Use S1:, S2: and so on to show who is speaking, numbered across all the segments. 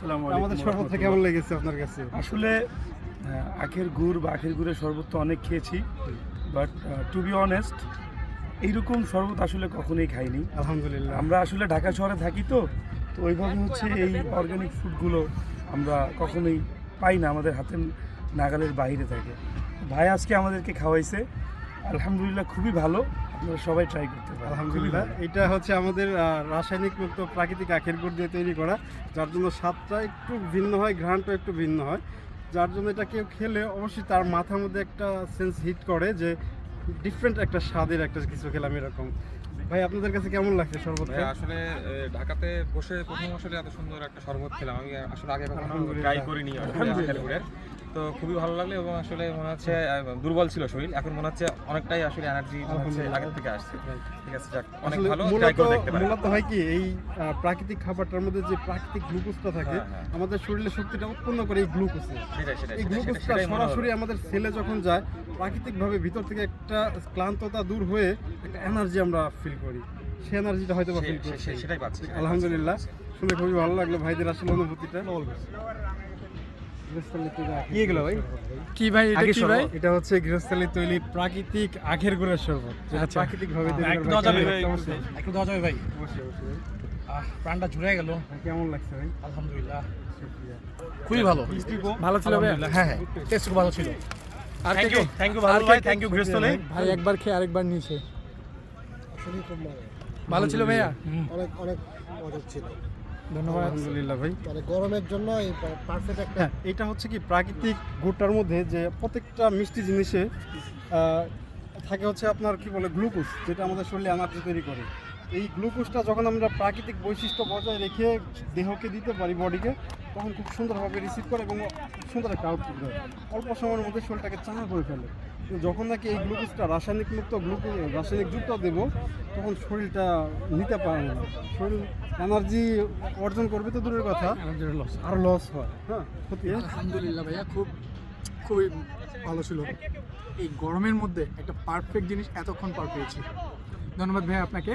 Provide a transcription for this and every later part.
S1: আসসালামু আলাইকুম।
S2: আমাদের শরবতটা কেমন লেগেছে আপনার কাছে?
S1: আসলে আখের গুড় বা আখের গুড়ের শরবত তো অনেক খেয়েছি, বাট টু বি অনেস্ট এইরকম শরবত আসলে কখনোই খাইনি।
S2: আলহামদুলিল্লাহ।
S1: আমরা আসলে ঢাকা শহরে থাকি, তো ওইভাবে হচ্ছে এই অর্গানিক ফুডগুলো আমরা কখনোই পাই না, আমাদের হাতের নাগালের বাইরে থাকে। ভাই আজকে আমাদেরকে খাওয়াইছে, আলহামদুলিল্লাহ খুবই ভালো। আপনারা সবাই ট্রাই করতে পারেন।
S2: আলহামদুলিল্লাহ। এটা হচ্ছে আমাদের রাসায়নিক মুক্ত প্রাকৃতিক আখের গুড় দিয়ে তৈরি করা, যার জন্য স্বাদটা একটু ভিন্ন হয়, ঘ্রাণটা একটু ভিন্ন হয়, যার জন্য এটা কেউ খেলে অবশ্যই তার মাথার মধ্যে একটা সেন্স হিট করে যে ডিফারেন্ট একটা স্বাদের একটা কিছু খেলাম এরকম। ভাই আপনাদের কাছে কেমন লাগছে শরবতটা?
S3: ভাই আসলে ঢাকাতে বসে প্রথম আসলে এত সুন্দর একটা শরবত খেলাম। আমি আসলে আগে কখনো
S2: আলহামদুলিল্লাহ।
S3: ট্রাই করিনি আখের গুড়ের। তো খুবই ভালো লাগলো এবং আসলে মনে হচ্ছে দুর্বল ছিল শরীর, এখন মনে হচ্ছে অনেকটাই আসলে এনার্জি আগের থেকে আসছে। ঠিক আছে, যাক, অনেক
S2: আসলে
S3: ভালো, ট্রাই করে দেখতে পারেন।
S2: মূলত হয় কি এই প্রাকৃতিক খাবারটার মধ্যে যে প্রাকৃতিক গ্লুকোজটা থাকে
S3: হ্যাঁ।
S2: আমাদের শরীরে শক্তিটা উৎপন্ন করে এই গ্লুকোজে।
S3: সেটাই
S2: এই গ্লুকোজটা
S3: সেটাই মনে হলো।
S2: সরাসরি আমাদের সেলে যখন যায় প্রাকৃতিকভাবে ভিতর থেকে একটা ক্লান্ততা দূর হয়ে একটা এনার্জি আমরা ফিল করি, সেই এনার্জিটা হয়তো বা ফিল করছি।
S3: সেটাই পাচ্ছি।
S2: আলহামদুলিল্লাহ, শুনে খুবই ভালো লাগলো ভাইদের আসলে অনুভূতিটা।
S3: কি এগুলো ভাই?
S2: কি ভাই এটা
S1: আখের
S2: কি ভাই?
S1: শরবত?
S2: এটা হচ্ছে গৃহস্থলী তৈরি প্রাকৃতিক আখের গুড়ের শরবত, যেটা
S4: আচ্ছা।
S2: প্রাকৃতিকভাবে তৈরি
S4: একটু
S2: করা।
S4: দেওয়া যাবে
S2: কেমন
S4: ভাই?
S2: লাগছে অবশ্যই?
S4: একটু দেওয়া যাবে ভাই?
S2: অবশ্যই, অবশ্যই।
S4: প্রাণটা জুড়ে গেল।
S2: কেমন লাগছে ভাই?
S4: আলহামদুলিল্লাহ,
S2: শুকরিয়া।
S4: খুবই ভালো।
S2: ভালো ছিল ভাই?
S4: আলহামদুলিল্লাহ, হ্যাঁ টেস্ট খুব ভালো ছিল।
S2: আর
S4: থ্যাংক
S2: কে
S4: ইউ,
S2: কে-
S4: থ্যাংক ইউ
S2: আর
S4: ভালো
S2: কে
S4: ভাই,
S2: কে-
S4: থ্যাংক ইউ গৃহস্থলে।
S2: ভাই একবার খেয়ে আরেকবার নিয়েছে। ভালো ছিল ভাইয়া?
S5: অনেক অনেক মজা ছিল।
S2: ধন্যবাদ। আলহামদুলিল্লাহ ভাই।
S5: মানে গরমের জন্য এই পারফেক্ট একটা
S2: হ্যাঁ, এটা হচ্ছে কি প্রাকৃতিক গুড়টার মধ্যে যে প্রত্যেকটা মিষ্টি জিনিসে থাকে হচ্ছে আপনার কি বলে গ্লুকোজ, যেটা আমাদের শরীরে এনার্জি তৈরি করে। এই গ্লুকোজটা যখন আমরা প্রাকৃতিক বৈশিষ্ট্য বজায় রেখে দেহকে দিতে পারি, বডিকে, তখন খুব সুন্দরভাবে রিসিভ করে এবং খুব সুন্দর একটা আউটপুট দেয়। অল্প সময়ের মধ্যে শরীরটাকে চাঙা করে ফেলে। কিন্তু যখন নাকি এই গ্লুকোজটা রাসায়নিক মুক্ত রাসায়নিক যুক্ত দেব, তখন শরীরটা নিতে পারে না, শরীর এনার্জি অর্জন করবে তো দূরের কথা, আরো লস হয়। হ্যাঁ, ক্ষতি হয়।
S6: আলহামদুলিল্লাহ ভাইয়া, খুবই ভালো ছিল। এই গরমের মধ্যে একটা পারফেক্ট জিনিস এতক্ষণ পার পেয়েছি। ধন্যবাদ ভাইয়া আপনাকে।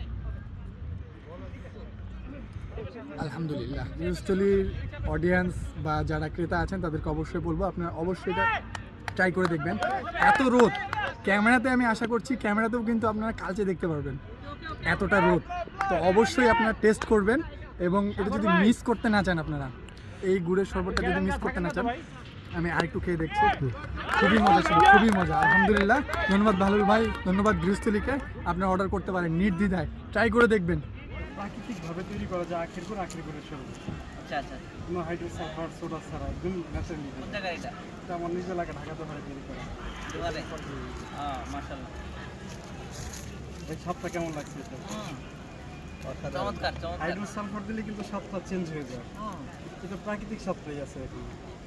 S6: আলহামদুলিল্লাহ, গৃহস্থলীর অডিয়েন্স বা যারা ক্রেতা আছেন তাদেরকে অবশ্যই বলবো আপনারা অবশ্যই এটা ট্রাই করে দেখবেন। এত রোদ ক্যামেরাতে, আমি আশা করছি ক্যামেরাতেও কিন্তু আপনারা কালচে দেখতে পারবেন, এতটা রোদ। তো অবশ্যই আপনারা টেস্ট করবেন এবং এটা যদি মিস করতে না চান, আপনারা এই গুড়ের শরবতটা যদি মিস করতে না চান, আমি আরেকটু খেয়ে দেখছি। খুবই মজা ছিল, খুবই মজা। আলহামদুলিল্লাহ, ধন্যবাদ ভালুল ভাই, ধন্যবাদ গৃহস্থলীকে। আপনারা অর্ডার করতে পারেন নির্দ্বিধায়, ট্রাই করে দেখবেন।
S2: প্রাকৃতিকভাবে তৈরি করা যায় আখের গুড়ের শরবত।
S7: আচ্ছা আচ্ছা,
S2: কোনো হাইড্রোসালফার সোডা ছাড়া একদম ন্যাচারালি।
S7: কোন জায়গায় এটা?
S2: এটা আমার নিজের এলাকা ঢাকাতে হয় তৈরি করা।
S7: দুয়ারে? মাশাআল্লাহ,
S2: এই স্বাদটা কেমন লাগছে এটা?
S7: চমৎকার চমৎকার।
S2: হাইড্রোসালফার দিলে কিন্তু স্বাদটা চেঞ্জ হয়ে যায়,
S7: হুম,
S2: এটা প্রাকৃতিক স্বাদটাই আছে এখন।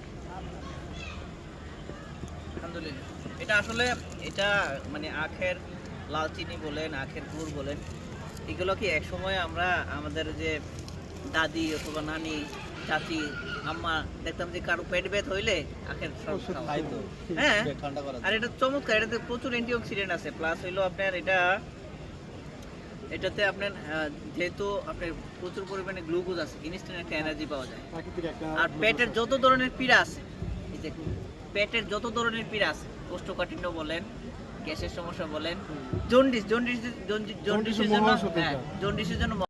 S7: আলহামদুলিল্লাহ। এটা আসলে এটা মানে আখের লাল চিনি বলেন, আখের গুড় বলেন, এগুলো কি একসময় আমরা আমাদের যে দাদি অথবা নানি, চাচি, আম্মা দেখতাম যে কারো পেট ব্যথা হইলে আখের শরবত খাওয়া। হ্যাঁ, আর এটা চমৎকার, এটাতে প্রচুর অ্যান্টিঅক্সিডেন্ট আছে, প্লাস হইলো আপনার এটাতে আপনার যেহেতু আপনার প্রচুর পরিমাণে গ্লুকোজ আছে, ইনস্ট্যান্ট একটা এনার্জি পাওয়া যায়।
S2: প্রাকৃতিক একটা
S7: আর পেটের যত ধরনের পীড়া আছে, এই যে পেটের যত ধরনের পীড়া আছে, কোষ্ঠকাঠিন্য বলেন, গ্যাসের সমস্যা বলেন, জন্ডিসের জন্য
S2: মহাঔষধ এটা।
S7: জন্ডিসের জন্য